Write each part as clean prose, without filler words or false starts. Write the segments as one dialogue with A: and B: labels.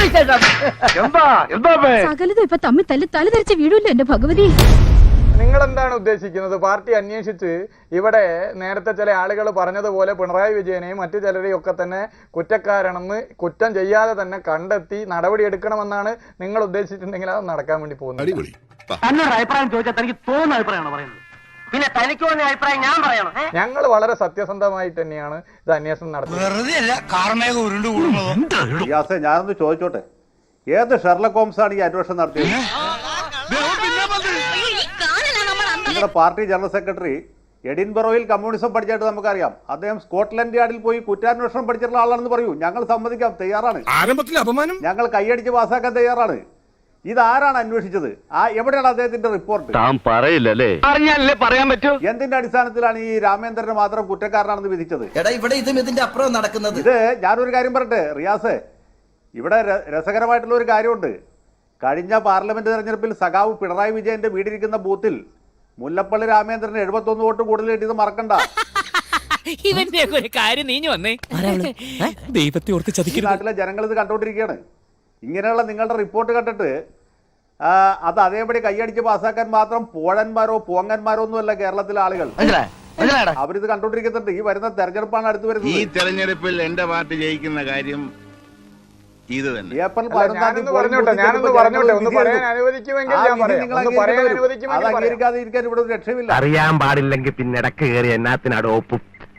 A: സകലതും ഇപ്പൊ തമ്മിൽ തല ധരിച്ച വീടില്ല എന്റെ ഭഗവതി.
B: നിങ്ങൾ എന്താണ് ഉദ്ദേശിക്കുന്നത്? പാർട്ടി അന്വേഷിച്ച് ഇവിടെ നേരത്തെ ചില ആളുകൾ പറഞ്ഞതുപോലെ പിണറായി വിജയനെയും മറ്റു ചിലരെയും ഒക്കെ തന്നെ കുറ്റക്കാരാണെന്ന് കുറ്റം ചെയ്യാതെ തന്നെ കണ്ടെത്തി നടപടിയെടുക്കണമെന്നാണ് നിങ്ങൾ ഉദ്ദേശിച്ചിട്ടുണ്ടെങ്കിൽ അത് നടക്കാൻ വേണ്ടി പോകുന്നത്.
C: അഭിപ്രായം ചോദിച്ചാൽ തനിക്ക് തോന്നുന്ന അഭിപ്രായമാണ് പറയുന്നത്. പിന്നെ തനിക്ക് തോന്നിയ അഭിപ്രായം ഞാൻ പറയണം.
B: ഞങ്ങൾ വളരെ സത്യസന്ധമായിട്ട് തന്നെയാണ് ഇത് അന്വേഷണം നടത്തുന്നത്.
D: ഞാനൊന്ന് ചോദിച്ചോട്ടെ, ഏത് ഷെർലക് ഹോംസ് ആണ് ഈ അന്വേഷണം നടത്തിയത്? നിങ്ങളുടെ പാർട്ടി ജനറൽ സെക്രട്ടറി എഡിൻബറോയിൽ കമ്മ്യൂണിസം പഠിച്ചായിട്ട് നമുക്കറിയാം. അദ്ദേഹം സ്കോട്ട്ലൻഡ് യാർഡിൽ പോയി കുറ്റാന്വേഷണം പഠിച്ചിട്ടുള്ള ആളാണെന്ന് പറയൂ. ഞങ്ങൾ സമ്മതിക്കാൻ തയ്യാറാണ്. ഞങ്ങൾ കൈയടിച്ച് പാസ്സാക്കാൻ തയ്യാറാണ്. ഇതാരാണ് അന്വേഷിച്ചത്? എവിടെയാണ് അദ്ദേഹത്തിന്റെ റിപ്പോർട്ട്? എന്തിന്റെ അടിസ്ഥാനത്തിലാണ് ഈ രാമേന്ദ്രനെ മാത്രം കുറ്റക്കാരനാണെന്ന് വിധിച്ചത്? ഇത് ഞാനൊരു കാര്യം പറയട്ടെ റിയാസ്, ഇവിടെ രസകരമായിട്ടുള്ള ഒരു കാര്യമുണ്ട്. കഴിഞ്ഞ പാർലമെന്റ് തെരഞ്ഞെടുപ്പിൽ സഖാവ് പിണറായി വിജയന്റെ വീടിരിക്കുന്ന ബൂത്തിൽ മുല്ലപ്പള്ളി രാമേന്ദ്രന് 71 വോട്ട് കൂടുതൽ കിട്ടിയത് മറക്കണ്ട. നാട്ടിലെ ജനങ്ങൾ ഇത് കണ്ടുകൊണ്ടിരിക്കുകയാണ്. ഇങ്ങനെയുള്ള നിങ്ങളുടെ റിപ്പോർട്ട് കണ്ടിട്ട് അത് അതേപടി കൈയടിച്ച് പാസ്സാക്കാൻ മാത്രം പോഴന്മാരോ പോങ്ങന്മാരോ ഒന്നുമല്ല കേരളത്തിലെ ആളുകൾ. അവരിത് കണ്ടുകൊണ്ടിരിക്കുന്നുണ്ട്. ഈ വരുന്ന തെരഞ്ഞെടുപ്പാണ് അടുത്ത് വരുന്നത്.
E: ഈ തെരഞ്ഞെടുപ്പിൽ എന്റെ പാർട്ടി ജയിക്കുന്ന കാര്യം ഇത് തന്നെ.
D: ഏപ്രിൽ 11 അംഗീകരിക്കാതിരിക്കാൻ ഇവിടെ ഒരു രക്ഷയില്ല.
F: അറിയാൻ പാടില്ലെങ്കിൽ പിന്നെ ഇടക്ക് കയറി എന്നാത്തിനാട് ഒപ്പും.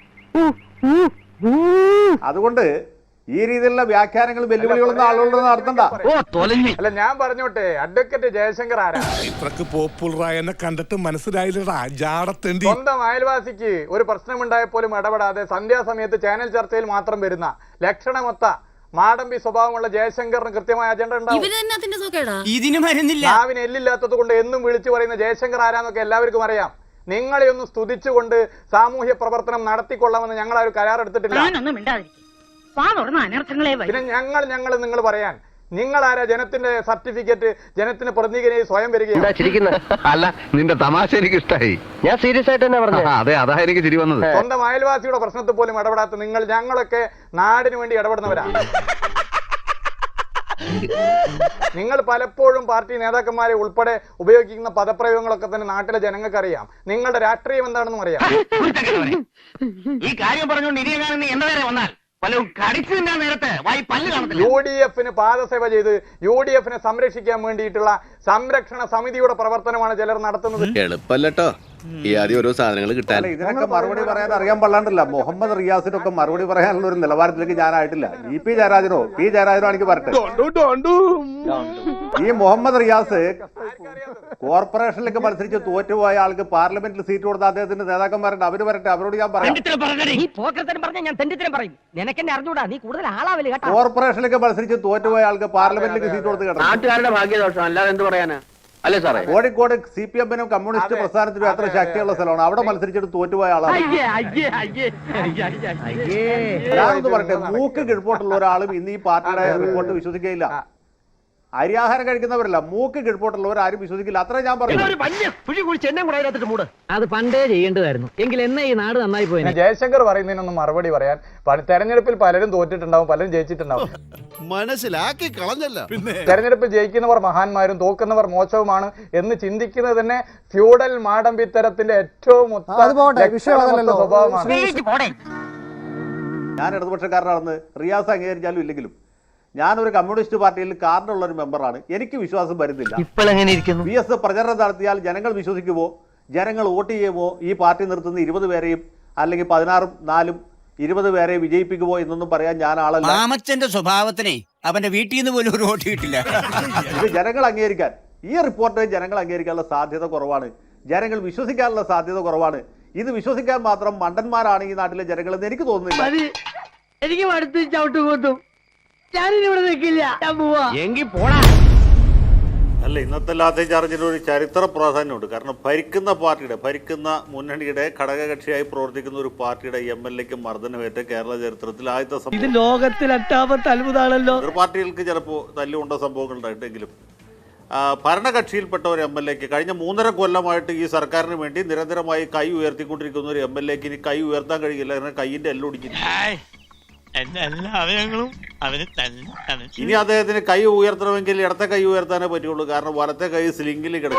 D: അതുകൊണ്ട് ഈ രീതിയിലുള്ള വ്യാഖ്യാനങ്ങൾ വെല്ലുവിളികളൊന്നും ആളുകളോട് നടത്തണ്ട.
B: അല്ല ഞാൻ പറഞ്ഞോട്ടെ, അഡ്വക്കേറ്റ് ജയശങ്കർ ആരാ?
G: പോപ്പുലറായെന്നെ കണ്ടിട്ട് മനസ്സിലായില്ലടാ.
B: സ്വന്തം അയൽവാസിക്ക് ഒരു പ്രശ്നമുണ്ടായപ്പോലും ഇടപെടാതെ സന്ധ്യാസമയത്ത് ചാനൽ ചർച്ചയിൽ മാത്രം വരുന്ന ലക്ഷണമൊത്ത മാടമ്പി സ്വഭാവമുള്ള ജയശങ്കറിന് കൃത്യമായ അജണ്ട ഉണ്ടാവും. നാവിന് എല്ലില്ലാത്തത് കൊണ്ട് എന്നും വിളിച്ചു പറയുന്ന ജയശങ്കർ ആരാന്നൊക്കെ എല്ലാവർക്കും അറിയാം. നിങ്ങളെ ഒന്ന് സ്തുതിച്ചുകൊണ്ട് സാമൂഹ്യ പ്രവർത്തനം നടത്തിക്കൊള്ളാമെന്ന് ഞങ്ങൾ ആ ഒരു കരാർ എടുത്തിട്ടില്ല. പിന്നെ ഞങ്ങൾ നിങ്ങൾ പറയാൻ നിങ്ങളാരാ? ജനത്തിന്റെ സർട്ടിഫിക്കറ്റ് ജനത്തിന് പ്രതിനിധിയെ സ്വയം വരികയാണ്.
F: അല്ല, നിന്റെ തമാശ എനിക്ക് ഇഷ്ടായി. ഞാൻ സീരിയസ് ആയിട്ട് തന്നെ പറഞ്ഞു. അതെ, അതാ എനിക്ക് ചിരി വന്നത്.
B: സ്വന്തം അയൽവാസിയുടെ പ്രശ്നത്തിൽ പോലും ഇടപെടാത്ത നിങ്ങൾ, ഞങ്ങളൊക്കെ നാടിന് വേണ്ടി ഇടപെടുന്നവരാ. നിങ്ങൾ പലപ്പോഴും പാർട്ടി നേതാക്കന്മാരെ ഉൾപ്പെടെ ഉപയോഗിക്കുന്ന പദപ്രയോഗങ്ങളൊക്കെ തന്നെ നാട്ടിലെ ജനങ്ങൾക്ക് അറിയാം. നിങ്ങളുടെ രാഷ്ട്രീയം എന്താണെന്നും അറിയാം.
C: ഈ കാര്യം പറഞ്ഞുകൊണ്ട് ഇനിയെ കാണുന്ന എന്റെ നേരെ വന്നാൽ
B: UDF പാദസേവ ചെയ്ത് UDF സംരക്ഷിക്കാൻ വേണ്ടിയിട്ടുള്ള സംരക്ഷണ സമിതിയുടെ പ്രവർത്തനമാണ് ചിലർ നടത്തുന്നത്.
E: എളുപ്പല്ലോ ഈ ആദ്യം ഓരോ സാധനങ്ങൾ കിട്ടാൻ.
D: ഇതിനൊക്കെ മറുപടി പറയാൻ അറിയാൻ പാടില്ല. മുഹമ്മദ് റിയാസിനൊക്കെ മറുപടി പറയാനുള്ള ഒരു നിലവാരത്തിലേക്ക് ഞാനായിട്ടില്ല. P ജയരാജനോ എനിക്ക് പറട്ടെ. ഈ മുഹമ്മദ് റിയാസ് കോർപ്പറേഷനിലേക്ക് മത്സരിച്ച് തോറ്റുപോയ ആൾക്ക് പാർലമെന്റിൽ സീറ്റ് കൊടുത്ത അദ്ദേഹത്തിന്റെ നേതാക്കന്മാരുണ്ട്. അവര് വരട്ടെ, അവരോട് ഞാൻ പറയാം. കോർപ്പറേഷനിലേക്ക് മത്സരിച്ച് തോറ്റുപോയ ആൾക്ക് പാർലമെന്റിലേക്ക് സീറ്റ് കൊടുത്ത് കേട്ടോ.
F: നാട്ടുകാരുടെ ഭാഗ്യദോഷം അല്ലാതെ എന്ത് പറയാനാ? അല്ലേ സാറേ,
D: കോഴിക്കോട് CPM-നും കമ്മ്യൂണിസ്റ്റ് പ്രസ്ഥാനത്തിനും എത്ര ശക്തിയുള്ള സ്ഥലമാണ്. അവിടെ മത്സരിച്ചിട്ട് തോറ്റുപോയ ആളാണ്. ഞാനൊന്ന് പറയട്ടെ, മൂക്ക് കിഴപ്പോട്ടുള്ള ഒരാളും ഇന്ന് ഈ പാർട്ടിയുടെ റിപ്പോർട്ട് വിശ്വസിക്കുകയില്ല. അരിയാഹാരം കഴിക്കുന്നവരല്ല, മൂക്ക് കിഴപ്പോട്ടുള്ളവർ ആരും വിശ്വസിക്കില്ല. അത്ര ഞാൻ പറഞ്ഞു.
C: അത് പണ്ടേ ചെയ്യേണ്ടതായിരുന്നു. എങ്കിൽ എന്നെ ഈ നാട് നന്നായി പോയി.
B: ജയശങ്കർ പറയുന്നതിനൊന്നും മറുപടി പറയാൻ, തെരഞ്ഞെടുപ്പിൽ പലരും തോറ്റിട്ടുണ്ടാവും, പലരും ജയിച്ചിട്ടുണ്ടാവും.
G: മനസ്സിലാക്കി കളഞ്ഞല്ല.
B: തെരഞ്ഞെടുപ്പിൽ ജയിക്കുന്നവർ മഹാന്മാരും തോക്കുന്നവർ മോശവുമാണ് എന്ന് ചിന്തിക്കുന്നത് തന്നെ ഫ്യൂഡൽ മാടമ്പിത്തരത്തിന്റെ ഏറ്റവും സ്വഭാവമാണ്.
D: ഞാൻ ഇടതുപക്ഷക്കാരനാണെന്ന് റിയാസ് അംഗീകരിച്ചാലും ഇല്ലെങ്കിലും ഞാനൊരു കമ്മ്യൂണിസ്റ്റ് പാർട്ടിയിൽ കാർഡുള്ള ഒരു മെമ്പറാണ്. എനിക്ക് വിശ്വാസം വരുന്നില്ല. VS പ്രചരണം നടത്തിയാൽ ജനങ്ങൾ വിശ്വസിക്കുമോ, ജനങ്ങൾ വോട്ട് ചെയ്യുമോ, ഈ പാർട്ടി നിർത്തുന്ന 20 പേരെയും അല്ലെങ്കിൽ 16 4 20 പേരെ വിജയിപ്പിക്കുമോ എന്നൊന്നും പറയാൻ ഞാൻ ആളല്ല.
H: മാമച്ചന്റെ സ്വഭാവത്തിനെ അവന്റെ വീട്ടിൽ നിന്ന് പോലും ഒരു വോട്ട് കിട്ടില്ല.
D: ഇത് ജനങ്ങൾ അംഗീകരിക്കാൻ, ഈ റിപ്പോർട്ട് ജനങ്ങൾ അംഗീകരിക്കാനുള്ള സാധ്യത കുറവാണ്. ജനങ്ങൾ വിശ്വസിക്കാനുള്ള സാധ്യത കുറവാണ്. ഇത് വിശ്വസിക്കാൻ മാത്രം മണ്ടന്മാരാണ് ഈ നാട്ടിലെ ജനങ്ങളെന്ന് എനിക്ക് തോന്നുന്നില്ല.
C: എനിക്ക് അടുത്ത് ചവിട്ടുകൂത്തും. ഞാനിവിടെ നിൽക്കില്ല.
F: എങ്കിൽ പോടാ.
D: അല്ല, ഇന്നത്തെ ലാത്തി ചാർജിന് ഒരു ചരിത്ര പ്രാധാന്യമുണ്ട്. കാരണം ഭരിക്കുന്ന മുന്നണിയുടെ ഘടകകക്ഷിയായി പ്രവർത്തിക്കുന്ന ഒരു പാർട്ടിയുടെ MLA-ക്ക് മർദ്ദനമേറ്റ് കേരള ചരിത്രത്തിൽ ആദ്യത്തെ സംഭവം.
C: ഇത് ലോകത്തിൽ എട്ടാമത്തെ അത്ഭുതമാണല്ലോ.
D: പാർട്ടികൾക്ക് ചിലപ്പോൾ തല്ലുകൊണ്ട സംഭവങ്ങൾ ഉണ്ടായിട്ടെങ്കിലും ഭരണകക്ഷിയിൽപ്പെട്ട ഒരു MLA-ക്ക് കഴിഞ്ഞ 3.5 കൊല്ലമായിട്ട് ഈ സർക്കാരിന് വേണ്ടി നിരന്തരമായി കൈ ഉയർത്തിക്കൊണ്ടിരിക്കുന്ന ഒരു MLA-ക്ക് ഇനി കൈ ഉയർത്താൻ കഴിയില്ല. കാരണം കൈയിന്റെ എല്ലൊടിക്കുന്നു.
I: എന്റെ എല്ലാ അവയവങ്ങളും അവന് തന്നെ.
D: ഇനി അദ്ദേഹത്തിന് കൈ ഉയർത്തണമെങ്കിൽ ഇടത്തെ കൈ ഉയർത്താനേ പറ്റുള്ളൂ, കാരണം വലത്തെ കൈ സ്ലിംഗിൽ കിടക്കും.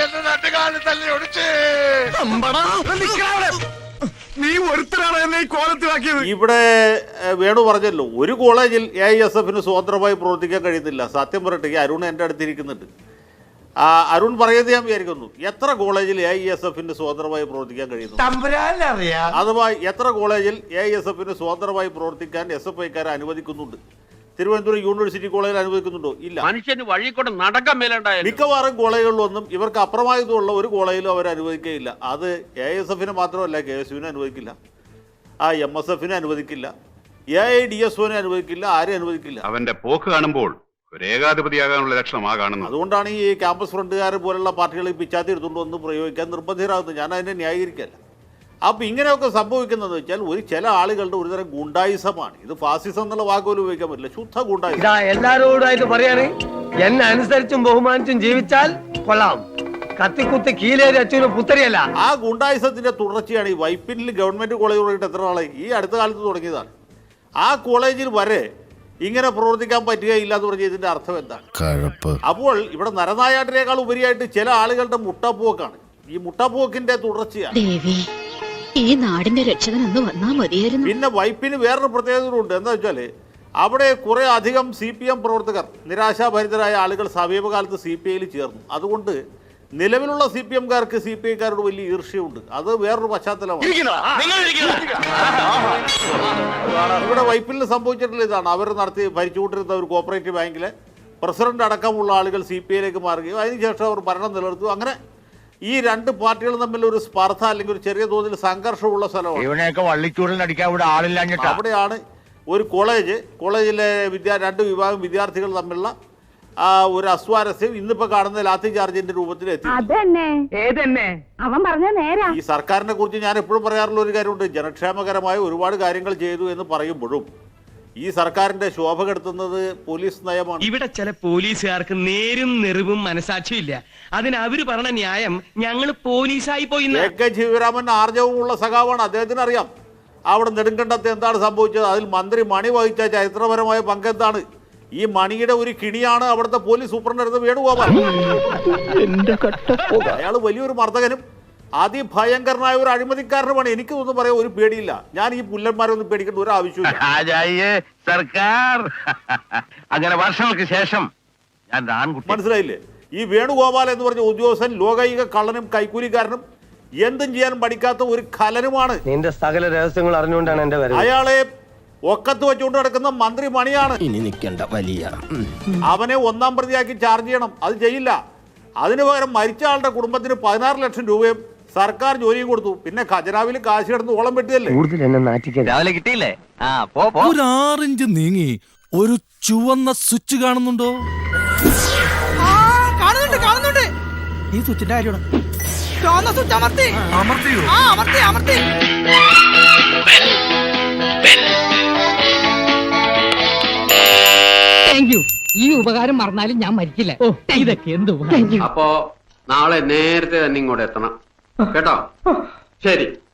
G: നീ ഒരുത്തരാണ് എന്നെ ഈ കോലത്തിലാക്കിയത്.
D: ഇവിടെ വേണു പറഞ്ഞല്ലോ, ഒരു കോളേജിൽ AISF സ്വതന്ത്രമായി പ്രവർത്തിക്കാൻ കഴിയുന്നില്ല. സത്യം പറയട്ടെ, ഈ അരുൺ എൻ്റെ അടുത്തിരിക്കുന്നുണ്ട്. അരുൺ പറയുന്നത് ഞാൻ വിചാരിക്കുന്നു, എത്ര കോളേജിൽ AISF സ്വതന്ത്രമായി പ്രവർത്തിക്കാൻ കഴിയുന്നു? അഥവാ എത്ര കോളേജിൽ AISF സ്വതന്ത്രമായി പ്രവർത്തിക്കാൻ SFIക്കാരെ അനുവദിക്കുന്നുണ്ട്? തിരുവനന്തപുരം യൂണിവേഴ്സിറ്റി കോളേജിൽ അനുവദിക്കുന്നുണ്ടോ? ഇല്ല.
C: മനുഷ്യന് വഴി കൊണ്ട് നടക്കാൻ മേലുണ്ടായ
D: മിക്കവാറും കോളേജുകളിലൊന്നും ഇവർക്ക് അപ്രമാദിത്വമുള്ള ഒരു കോളേജിലും അവർ അനുവദിക്കുകയില്ല. അത് AISF മാത്രമല്ല, KSU അനുവദിക്കില്ല, MSF അനുവദിക്കില്ല, AIDSO അനുവദിക്കില്ല, ആരും അനുവദിക്കില്ല.
E: അവന്റെ പോക്ക് കാണുമ്പോൾ ഒരു ഏകാധിപതിയാകാനുള്ള ലക്ഷണമാ കാണുന്നത്.
D: അതുകൊണ്ടാണ് ഈ ക്യാമ്പസ് ഫ്രണ്ടുകാർ പോലുള്ള പാർട്ടികൾ ഈ പിച്ചാത്തി എടുത്തുകൊണ്ട് വന്ന് പ്രയോഗിക്കാൻ നിർബന്ധിതരാകുന്നത്. ഞാൻ അതിനെ ന്യായീകരിക്കല്ല. അപ്പോൾ ഇങ്ങനെയൊക്കെ സംഭവിക്കുന്നത് വെച്ചാൽ ചില ആളുകളുടെ ഒരുതരം ഗുണ്ടായിസമാണ്. ഇത് ഫാസിസം എന്നുള്ള വാക്കുപോലും ഉപയോഗിക്കാൻ പറ്റില്ല, ശുദ്ധ ഗുണ്ടായിസം.
C: എല്ലാരോടായിട്ട് പറയാണ്, എന്നെ അനുസരിച്ചും ബഹുമാനിച്ചും ജീവിച്ചാൽ കൊള്ളാം, കത്തിക്കുത്തി കീലേരി അച്ഛനും പുത്തരിയല്ല.
D: ആ ഗുണ്ടായിസത്തിന്റെ തുടർച്ചയാണ് ഈ വൈപ്പിനിൽ ഗവൺമെന്റ് കോളേജ് തുടങ്ങിയിട്ട് എത്ര നാളായി? ഈ അടുത്ത കാലത്ത് തുടങ്ങിയതാണ്. ആ കോളേജിൽ വരെ ഇങ്ങനെ പ്രവർത്തിക്കാൻ പറ്റുകയില്ല എന്ന് പറഞ്ഞ ഇതിന്റെ അർത്ഥം എന്താണ്? അപ്പോൾ ഇവിടെ നരനായാട്ടിനേക്കാൾ ഉപരിയായിട്ട് ചില ആളുകളുടെ മുട്ടപ്പോക്കാണ്. ഈ മുട്ടപ്പോക്കിന്റെ തുടർച്ചയാണ്.
A: ഈ നാടിന്റെ രക്ഷകനൊന്ന് വന്നാ മതിയായിരുന്നു.
D: പിന്നെ വൈപ്പിന് വേറൊരു പ്രത്യേകതയുണ്ട്. എന്താ വെച്ചാൽ അവിടെ കുറെ അധികം CPM പ്രവർത്തകർ, നിരാശാഭരിതരായ ആളുകൾ സമീപകാലത്ത് CPIയിൽ ചേർന്നു. അതുകൊണ്ട് നിലവിലുള്ള CPMകാർക്ക് CPIക്കാരോട് വലിയ ഈർഷ്യയുണ്ട്. അത് വേറൊരു പശ്ചാത്തലമാണ്. ഇവിടെ വൈപ്പിൽ സംഭവിച്ചിട്ടുള്ള ഇതാണ്. അവർ ഭരിച്ചുകൊണ്ടിരുന്ന ഒരു കോപ്പറേറ്റീവ് ബാങ്കിലെ പ്രസിഡന്റ് അടക്കമുള്ള ആളുകൾ CPIയിലേക്ക് മാറുകയും അതിനുശേഷം അവർ ഭരണം നിലനിർത്തുകയും, അങ്ങനെ ഈ രണ്ട് പാർട്ടികളും തമ്മിൽ ഒരു സ്പർദ്ധ അല്ലെങ്കിൽ ഒരു ചെറിയ തോതിൽ സംഘർഷമുള്ള സ്ഥലമാണ്. അവിടെയാണ് ഒരു കോളേജിലെ രണ്ട് വിഭാഗം വിദ്യാർത്ഥികൾ തമ്മിലുള്ള ഒരു അസ്വാരസ്യം ഇന്നിപ്പോ കാണുന്ന ലാത്തി ചാർജിന്റെ രൂപത്തിൽ എത്തി. ഈ സർക്കാരിനെ കുറിച്ച് ഞാൻ എപ്പോഴും പറയാറുള്ള ഒരു കാര്യമുണ്ട്, ജനക്ഷേമകരമായ ഒരുപാട് കാര്യങ്ങൾ ചെയ്തു എന്ന് പറയുമ്പോഴും ഈ സർക്കാരിന്റെ ശോഭ കെടുത്തുന്നത് പോലീസ് നയമാണ്.
C: ഇവിടെ ചില പോലീസുകാർക്ക് നേരും നെറിവും മനസാക്ഷിയും ഇല്ല. അതിന് അവര് പറഞ്ഞ ന്യായം ഞങ്ങൾ പോലീസായി പോയി.
D: AK ശിവരാമൻ ആർജവുമുള്ള സഖാവാണ്, അദ്ദേഹത്തിന് അറിയാം അവിടെ നെടുങ്കണ്ടത്ത് എന്താണ് സംഭവിച്ചത്. അതിൽ മന്ത്രി മണി വഹിച്ച ചരിത്രപരമായ പങ്കെന്താണ്? ഈ മണിയുടെ ഒരു കിണിയാണ് അവിടുത്തെ പോലീസ് സൂപ്രണ്ടായിരുന്ന വേണുഗോപാൽ. അയാൾ വലിയൊരു മർദ്ദകനും അതിഭയങ്കരനായ ഒരു അഴിമതിക്കാരനുമാണ്. എനിക്കൊന്നും പറയാൻ ഒരു പേടിയില്ല. ഞാൻ ഈ പുല്ലന്മാരൊന്നും പേടിക്കേണ്ട ഒരു ആവശ്യമില്ല.
F: സർക്കാർ അങ്ങനെ വർഷങ്ങൾക്ക് ശേഷം
D: മനസ്സിലായില്ലേ? ഈ വേണുഗോപാൽ എന്ന് പറഞ്ഞ ഉദ്യോഗസ്ഥൻ ലോകൈക കള്ളനും കൈക്കൂലിക്കാരനും എന്തും ചെയ്യാൻ പഠിക്കാത്ത ഒരു കലനുമാണ്.
C: നിന്റെ സകല രഹസ്യങ്ങൾ അറിഞ്ഞുകൊണ്ടാണ് എന്റെ വരവ്.
D: അയാളെ ഒക്കത്ത് വെച്ചുകൊണ്ട് നടക്കുന്ന മന്ത്രി മണിയാണ്.
H: ഇനി നിൽക്കേണ്ട വലിയ
D: അവനെ ഒന്നാം പ്രതിയാക്കി ചാർജ് ചെയ്യണം. അത് ചെയ്യില്ല. അതിനു പകരം മരിച്ച ആളുടെ കുടുംബത്തിന് 16 ലക്ഷം രൂപയും സർക്കാർ ജോലിയും കൊടുത്തു. പിന്നെ ഖജനാവിൽ കാശ് കിടന്ന് ഓളം വെട്ടിയല്ലേ.
C: രാവിലെ കിട്ടിയില്ലേ?
G: ഒരു 6 ഇഞ്ച് നീങ്ങി ഒരു ചുവന്ന സ്വിച്ച് കാണുന്നുണ്ടോ?
H: കാണുന്നുണ്ട്. ഈ സ്വിച്ചിന്റെ കാര്യമാണ്.
C: ഈ ഉപകാരം മറന്നാലും ഞാൻ മരിക്കില്ല. ഇതൊക്കെ എന്ത്?
F: അപ്പോ നാളെ നേരത്തെ തന്നെ ഇങ്ങോട്ട് എത്തണം കേട്ടോ. ശരി.